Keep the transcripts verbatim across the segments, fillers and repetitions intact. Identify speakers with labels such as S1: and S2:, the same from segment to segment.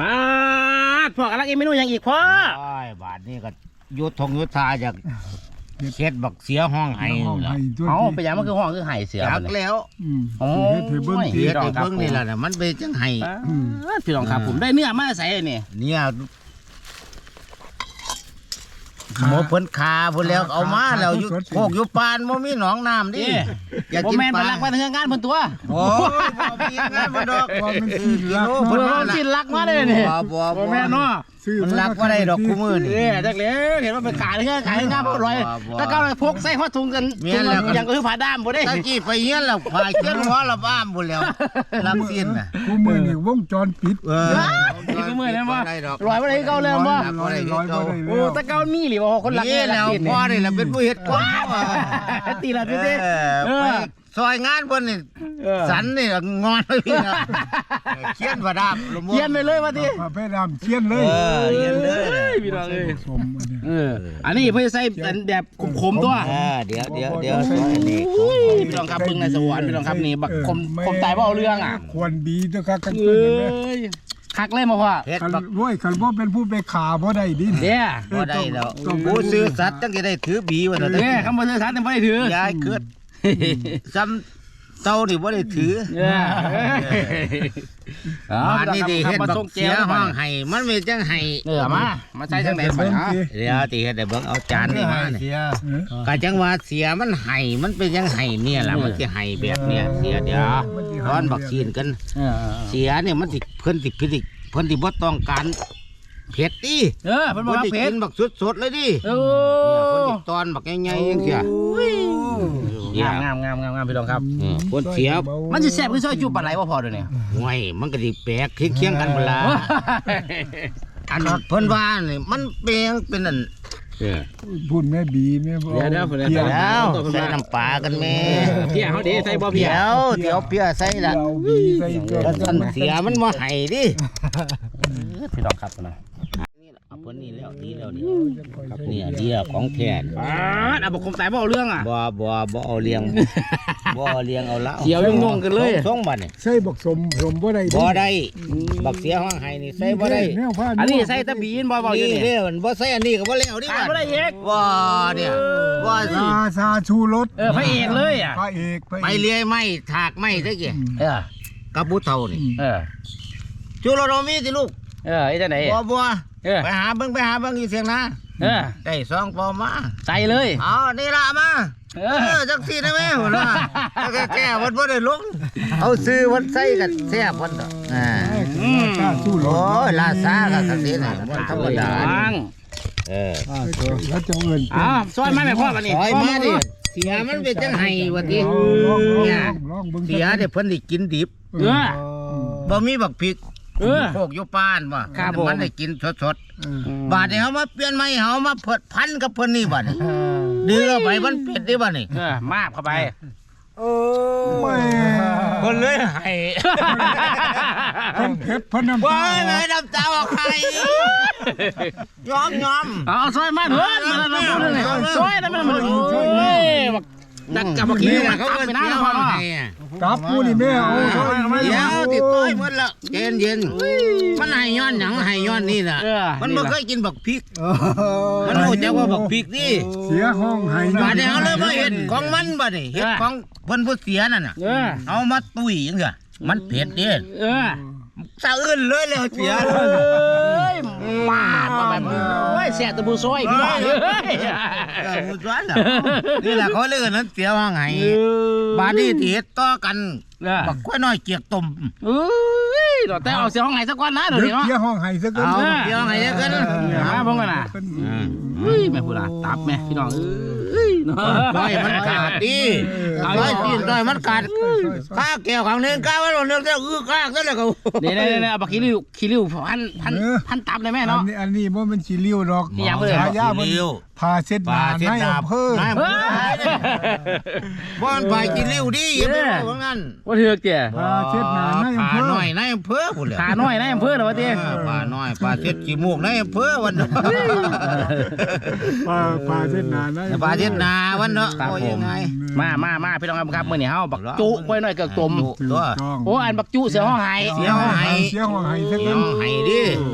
S1: ป้าดพ่อกำลังกินเมนูอย่างอีกพ่อ
S2: โอ้ยบาทนี่ก็ยุทธงยุทธาจากเช็ดบักเสียห้องไห้
S1: เอาไปอย่างมันคือห้องคือไห่เสือ
S2: จักแล้ว
S1: โอ้
S3: เฮ็ดให้เบิ่ง
S2: เฮ็ดให้เบิ่งนี่แหละน่ะมันเป็นจังไห้
S1: พี่น้องครับผมได้เนื้อมาใส่นี่
S2: เนี่ยหมอเพิ่นคาพุ่นแล้วเอามาแล้วอยู่โคกอยู่ปานบ่มีหนองน้ำดิอยาก
S1: บ่
S2: กิน
S1: แม่น
S2: ป
S1: ไป
S2: ลา
S1: ลักมาเทืองานเพิ่นตัว
S2: โอ้ยบ่มีงานบ่ดอก
S3: ว่ามันสิรัก
S1: เพิ่นว่าสิลักมาเลยนี่
S2: บ่บ่
S1: บ่แม่นเนาะ
S2: มันรักบ่ได้ดอกคู่มือนี่
S1: เอ้จักเลยเห็นว่าเป็นขายเทืองขายงานบ่ร้อยถ้าเก่าพกใส่หัวถุงกันอย่างก็คือผ้าด้ามบ่ได้
S2: ตะกี้ไปเฮียนแล้วพายเขียนหัวละบ้ามพุ่นแล้วรักสิ้นน่ะ
S3: กูมือนี่วงจรปิด
S2: เออ
S1: นี่คือมื้อนั้นบ่
S2: ได้ดอก
S1: ร้อยบ่ได้เก่าแล้วบ่
S3: ร้อยร้อยบ่ได้
S1: โอ้ตะเก่ามีหรือบ่คนรัก
S2: นี่แล้วพ่อนี่แหละเป็นผู้เฮ็ดก่อน
S1: ตีละตี
S2: เอ
S1: ตี
S2: อไปซอยงานเพิ่นนี่สันนี่งอนเลยพี่นะเขียนว่าดาบลม
S1: เขียนไปเลยว่าติ
S3: พาไปดำเชียนเล
S2: เอย อเขียนเลย
S1: พี่น้องเอ้ย
S3: สมอันนี้
S1: เอออันนี้เพื่อใส่แบบขมๆตัว
S2: เออเดี๋ยวเดี๋ยวเดี๋ยวซอยนี่
S1: พี่น้องครับเบิ่งในสวรรค์พี่น้องครับนี่บักคมคมตายบ่เอาเรื่องอ่ะ
S3: ควรดีเด้อครับกัน
S1: เอ
S3: เพิ่นเห็นไหม้
S1: ยคักเลยมาพ่อ
S2: เฮ็ด
S3: คัน
S2: บัก
S3: รวยคันบ่เป็นผู้ไปขาบ่ได้ดิ
S1: เด้อ
S2: บ่ได้แล้วผู้ซื้อสัตว์จังสิได้ถือบีว่า
S1: เด้
S2: แต่
S1: อคำบ่ซื้อสารแต่บ่ได้ถือย
S2: ายเกิดซ้ำเต้านี่บ่ได้ถือ
S1: เออ
S2: บ้านนี่ดิเฮ็ดบักเสียห้องให้มันมีจังให้
S1: เออมามาใส่จังได๋พ่อฮะ
S2: เดี๋ยวติเฮ็ดได้เบิ่งเอาจานนี่มานี่
S3: เออ
S2: ก็จังว่าเสียมันให้มันเป็นจังให้เนี่ยล่ะมันสิให้แบบเนี้ยเสียเดี๋ยวร้อนบักชีนกัน
S1: เออ
S2: เสียเนี่ยมันสิเพิ่นสิพิจิเพิ่นสิบ่ต้องการเผ็ดดิ
S1: เออเพิ่นบ่
S2: เพิ่น
S1: ว่า
S2: สิ
S1: เผ็
S2: กิ
S1: ด
S2: นบักสดๆเลยดิ
S1: โอ้
S2: เนี่ยเพิ่นสิตอนบักใหญ่ๆจังซี่
S1: งามงามงามงามพี่น้องครับ
S2: เออเพิ่นเสีย
S1: มันสิแซ่บคือซอยจุปลาไหลบ่พอเด้อเนี่ย
S2: ห่วยมันก็สิแปลกเคียงๆกันเวลาอันเพิ่นว่านี่มันเปลงเป็นอัน
S1: เออ
S3: พูดแม่บีแม่บ่
S1: เดี๋ยวเดี๋ยวเดี๋ยว
S3: เดี๋ยว
S2: แล้วใส่น้ำปลากันแม่
S1: เพี้ยเฮาดิใส่บ่เพี้
S2: เดี๋
S1: ย
S2: ยวเดี๋ยวเปียใส่ละ
S3: เดี๋ยวบีใส่เกลือ
S2: แล้วท่านเสียมันบ่ให้ดิ
S1: พี่น้องครับนะ
S2: นี่ล่ะเอาเพิ่นนี่แล้วดีแล้วนี่ครับเนี่ยเดียวของแท้
S1: อ่าอ่ะบอกคมตายบ่เอาเรื่องอ่ะ
S2: บ่บ่บ่เอาเลี้ยงบ่เอาเลี้ยงเอาละ
S1: เขียวยุ่งๆกันเลย
S2: ส่งบัดนี่
S3: ใส่บักสมสมบ่ได้ดิ
S2: บ่ได้บักเสียห้องไห้นี่ใส่บ่ได้
S3: แนวผ้า
S1: อันนี้ใส่ตะบีนบ่บอกอยู่
S2: นี่
S1: นี่
S2: เด้อมันบ่ใส่อันนี้ก็บ่แล้วดิ
S1: ขาดบ่ได้เอก
S2: บ่เนี่ยบ่สิ
S3: ซาซาชูรส
S1: เออพระเอกเลยอ่ะ
S3: พระเอกพระ
S2: ไป
S3: เอก
S2: เลียไม้ถากไม้ซะกี่
S1: เออ
S2: กับผู้เฒ่านี่
S1: เออ
S2: จูโรโนมีสิลูก
S1: เออไอ้จังไหน
S2: บ่บ่
S1: เออ
S2: ไปหาเบิ่งไปหาเบิ่งอยู่เสียงนะ
S1: เออ
S2: ได้สองปอมา
S1: ใส่เลย
S2: เอานี่ล่ะมา
S1: เอ
S2: เอ
S1: อ
S2: อจังซี่นะแม่หัวล่ะแล้วก็แก้วันบ่ได้ลงเอาซื้อวันใส่กันแซ่บวันต่ออ่า
S3: ซาชูร
S2: โอ้
S3: ส
S2: ยลาซาก็สักนิดน่ะมันธรรมดา
S1: ฟัง
S2: เออ
S3: อ่าแล้วจะเอิ้น
S1: อ้าวซอยมาแม่พ่อกันนี่
S2: ซอยมาดิเสียมันเป็นจังไห้ว่าติ
S3: ลองลอง
S2: เนี่ย
S3: ลองเบิ่ง
S2: เสียเดี๋ยวเพิ่นได้กินดิบ
S1: เออ
S2: บ่มีบักพริก
S1: เออ
S2: โคกอยู่ป้านบ่
S1: ครับผม
S2: มันได้กินสด
S3: เออ
S2: ๆบาดนี้เฮามาเปลี่ยนใหม่เฮามาเพิดพันกับเพิ่นนี่บัดนี้ดื้อเอาไปมันเผ็ดดิบัดนี้
S1: เออมาบเข้าไป
S3: แม่
S2: เพิ่นเลยให้
S3: เพิ่นเผ็ดเพิ่นน้ำ
S2: ว่า
S3: ตา
S2: ไงน้ำตาออกไข่ยอมยอม
S1: เอาซอยมาเถอะมาแล้วมาแล้วซอยนะมันมันโอ้ยบักดักกับบักขี้มัน
S2: เขา
S1: ตับ
S2: ก็
S1: ไป
S2: เสี
S1: นะ
S2: ย
S1: พ่อ
S2: ห้อง
S1: เนาะ
S2: ให้อะ
S3: ตับกูนี่แม่เอาซอยมา
S2: เดี๋ยวติดต้อยหมดละเย็นเย็นมันให้ย้อนหยังให้ย้อนนี่น่ะ
S1: เออ
S2: มันบ่เคยกินบักพริก
S3: เออ
S2: มันรู้จักว่าบักพริกนี่
S3: เสียห้องให้
S2: บาดนี้เฮาเลยมาเห็นของมันบัดนี้เฮ็ดของเพิ่นผู้เสียนั่นน่ะ
S1: เออ
S2: เอามาตุ้ยจังซี่มันเผ็ดเด้
S1: เออ
S2: สะอื้นเลยแล้วเสีย
S1: เอ้ยมาดมาแบบเฮ้ยแสบตะบูซอยพี่น้องเอ้ย
S2: เออมุดวันน่ะนี่แหละเขาเรียกนั้นเสียห้องไห้บาดนี้ที่เฮ็ดต่อกันบักกล้วยน้อยเกียกต้ม
S1: เอ้ยเดี๋ยวแต่เอาเสียห้องไหนสักวันนะเดี๋ยว
S3: เดี๋ยว
S1: นี้เนาะ
S3: เสียห้องให้ซะก่อน
S2: เอาเสียห้องไห้เด้อกัน
S1: มาพงกันนะเฮ้ยแม่พูดละตับแม่พี่น้องเอ้ยเนาะ
S2: น้อยมันขาดดิน้อยตีนน้อยมันขาดข้าแก้วของนึงก้าวไว้หล่นนึงแล้วอื้อกากซะแล้วก็
S1: นี่นี่นี่เอาบักขี้ริ้วขี้ริ้วพันพันพันตับเลยแม่
S3: อัน
S1: เนาะ
S3: นี้อันนี้บ่แมันสิเลี้ยวดอก
S1: นี่ยังบ่ได้
S3: ฉายามันพาเช็ดหน้าในอำเภอ
S2: นายอำเภอบ้านไปกินริ้วดิอย่าไปว่าว่างั้น
S1: ว่าเถือกแก่
S3: พาเช็ดหน้าในอำเภ
S2: ป่า
S3: อ
S2: น้อยนายอำเภอพุ่นแหละ
S1: ขาน้อยนะอำเภอเหรอวะเตี้ย
S2: ป่าน้อยป่าเช็ดขี้มูกนายอำเภอวันเนาะ
S3: พาพาเช็ดหน้าในอำเภอ
S2: ป่าเช็ดนาวันเนาะโอ้ยยังไง
S1: มามามาพี่น้องครับมื้อนี้เฮาบักจุไว้หน่อยเกือกตม
S2: ตัว
S1: โอ้อันบักจุเสียห้องไห้
S2: เสียห้องไห้
S3: เสียห้องให้ซะ
S2: เสี
S3: ก่
S2: ย
S3: อน
S2: ห้องไห้ดิ
S1: เ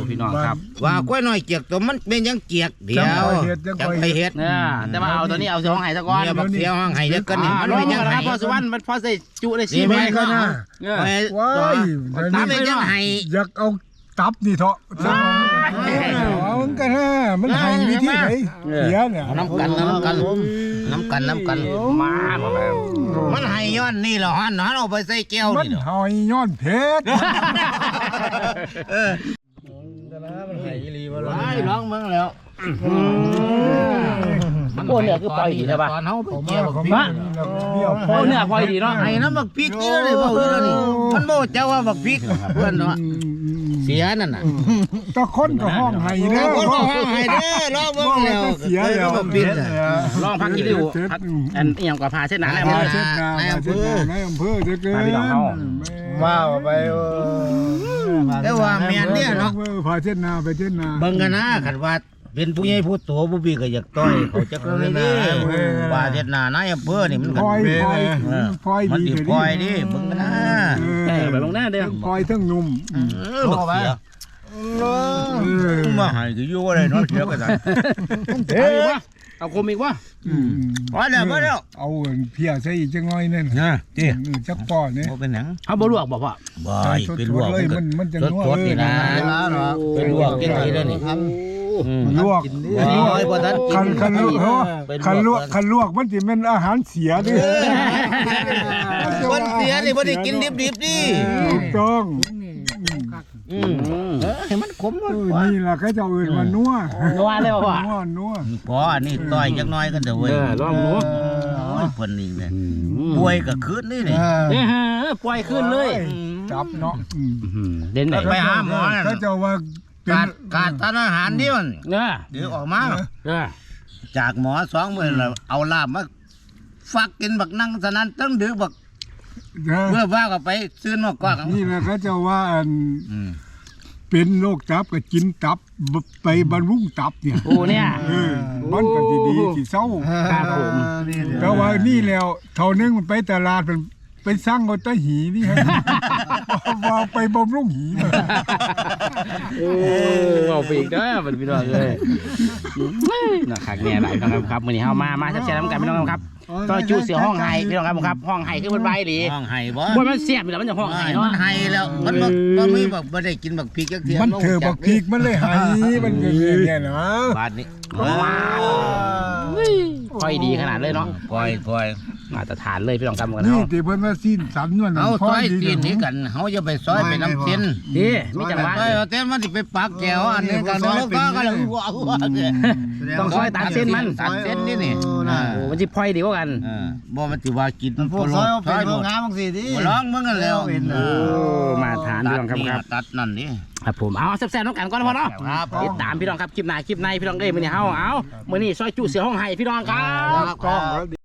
S1: พี่น้องครับ
S2: ว่ากล้วยน้อยเกียกตัวมันเป็นยังเกียกเดียวจังไปเฮ็ด
S1: เนี่ยแต่ว่าเอาตัวนี้เอาเสียห้องไห้ซะก่อน
S2: เนี่ยบักเสียห้องไห้เด็กกันนี่
S1: อ่า
S2: มัน
S1: ลอง
S2: เป็นยัง
S1: นะ
S2: ไง
S1: ครับพอสุวรรณมันพอใส่จุได้
S2: นี่
S1: สี่
S2: ไม่
S1: ใบ
S2: ก็
S3: ก็
S2: นะ
S3: นะ
S1: เนี่ย
S3: ว้าย
S2: ตามเป็นยังไง
S3: อยากเอาตับนี่เถอะเอามันกันนะมันให้วิธีไหนเสียเนี่ย
S2: น้ำกันน้ำกันน้ำกันน้ำกัน
S1: มาบ่แม่
S2: มันให้ย้อนนี่เหรอฮะนเอาไปใส่แก้ว
S3: มัน
S2: นี่เหรอ
S3: หอยย้อนเพชร
S2: เออ
S1: ไอ้ร้องเมืองแล้ว
S2: มัน
S1: โอ้เนี่ยคือปล่อยดีใช่ปะ
S2: ตอนเฮาไป
S3: ผม
S2: เกี่ยว
S3: ว่า
S2: บัก
S3: เขา
S2: พริ
S3: มาก
S2: นี่
S3: เบี้ยว
S1: โอ้เนี่ยพลอยดีเนาะ
S2: ให้น้ำบักพริกนี่เลยเว้าอยู่แล้วนี่มันโม่เจ้าว่าบักพริกเพื่อนเนาะเสียนั่นน่ะ
S3: ตะคนก็ห้องให้เด้
S2: เด้
S3: อ
S2: อคนบอกว่าให้เด้อรอบเบิ่งแล้ว
S3: เสียแล้ว
S2: บักพริกน่ะ
S1: ลองพักกิริวพักอันเอียงกว่าพาเส้นหนาแล้ว
S3: มา
S1: มา
S3: เช็ดนามาเช็ดนาในอำเภอจะเกิน
S2: ว้าวไปแต่ว่าแม่นเนี่ยเนาะ
S3: พาเช็ดนาไปเช็ดนา
S2: เบิ่งกันนะคันว่าเป็นผู้ใหญ่ผู้โตผู้พี่ก็อยากต่อยเขาจักเลยนี่ว่าเฮ็ดหน้านายอำเภอนี่มัน
S3: พ
S2: ก็
S3: ลอยพลอยพลอย
S2: มัน
S3: ดี
S2: สิปล่อยดิเบิ่งกันนะ
S1: เออไปลงหน้าเด้อ
S3: พลอยทั้งนุ่ม
S2: เออบักเสียมาให้ก็อยู่บ่ได้เนาะเสียก็ได้
S1: เอาอีกวะเอาคมอีกวะ
S2: พอแล้วพอแล้ว
S3: เอาเพียใส่อีกจังน้อยนั่น
S2: นะติ
S3: จักป้อนเนี่ย
S2: บ่เป็นหยัง
S1: เอาบ่ลวกบอกว่า
S2: บ่เป็นลวก
S3: เลยมันมันจะ
S2: สดๆนี่นะเป็นลวกจังซี่เด้อนี่
S3: ลวก
S2: โอ้ยบ่ทันกิ
S3: คัน
S2: น
S3: คันลวกคันลวกคันลวกมันสิเป็นอาหารเสียดิ
S2: คนเสียนี่บ่ได้กินดิบๆดิ
S3: ถูกต้อง
S2: อืมเออให้มันขมหมด
S3: นี่ล่ะเขาเจ้าอื่นมานัว
S1: นัวเลยบอกว่า
S3: นัวนัว
S2: พออันนี้ต่อยจักหน่อยกันเด้อเว้ย
S1: เออลองดู
S2: โอ้ยเพิ่นนี่แหละป่วยก็คืนนี่นี่
S1: เนี่ยฮะปล่อยขึ้นเลย
S3: จับเนาะ
S1: เด่นไหน
S2: ไปหาหมอน่ะ
S3: เขาเจ้าว่าเป็น
S2: การการทานอาหารนี่มัน
S1: เนี่ย
S2: เดี๋ยวออกมา
S1: เนี่ย
S2: จากหมอสองมื้อแล้วเอาลาบมาฟักกินบักนั่งสนั่นตั้งดึกบักเมื่อว่าก็ไปซื้อนอกกอก
S3: นี่แหละเขาเจ้าว่าอัน
S2: อืม
S3: เป็นโรคตับก็กินตับไปบรรลุงตับเนี่ย
S1: โอ้เนี่ย
S3: เออมันก็สิดีสิเศร้า
S1: ครับผม
S3: แต่ว่านี่แล้วเท่านึงมันไปตลาดเป็นไปสร้างเอาแตะหีนี่ฮะ ว่าไปบำรุงหีมา
S1: โอ้เอาไปอีกเด้อเป็นพี่น้องเลยนะคักเนี่ยหลายพี่น้องครับมื้อนี้เฮามามาแซ่บๆน้ำกันพี่น้องครับต่อจูเสือห้องไห้พี่น้องครับครับห้องไห้คือมันใบดี
S2: ห้องไห้บ่
S1: บ่มันเสียบอยู่แล้วมันจะห้องไห้
S2: มั
S1: เนาะ
S2: นไห้แล้วมันบ่บ่มีบักบ่ได้กินบักพริกจักเทีย
S3: มันเถอะบักพริกมันเลยหายมันเงี้ยเนี่ยนะ
S2: บาดนี้
S1: ค่อยดีขนาดเลยเนาะ
S2: ปล่อยปล่อย
S1: มาตรฐานเลยพี่น้องครับกัน
S3: นี่
S1: เนาะ
S3: ที่เพิ่นว่าสิ้นสันวันนั้น
S2: เอา
S3: พ
S2: ซอย
S3: ดี
S2: ตีนนี้กันเฮาจะไปซอยไปน้ำเส้น
S1: ดีมีจังหวะ
S2: ซอยเอาเส้นมันสิไปปักแก้วอันนี้กันแล้วก็ก็ว้าว
S1: ต้องซอยตามเส้นมัน
S2: ตามเส้นนี่นี่
S1: โอ้มันสิพลอยดีกว่ากัน
S2: เออบ่มันสิว่ากิน
S4: พวกซอยเอาเป็นโรงงานบางสิดิ
S2: บ่ร้องมึงกันแล้ว
S1: โอ้มาทานพี่น้องครับครับ
S2: ตัดนั่นนี่
S1: ครับผมเอาแซ่บๆน้องกันก่อนพอเนาะ
S2: ครับ
S1: ติดตามพี่น้องครับคลิปหน้าคลิปในพี่น้องเอ้ยมื้อนี้เฮาเอามื้อนี้ซอยจุเสือห้องไห้พี่น้องครับ
S3: กล้อง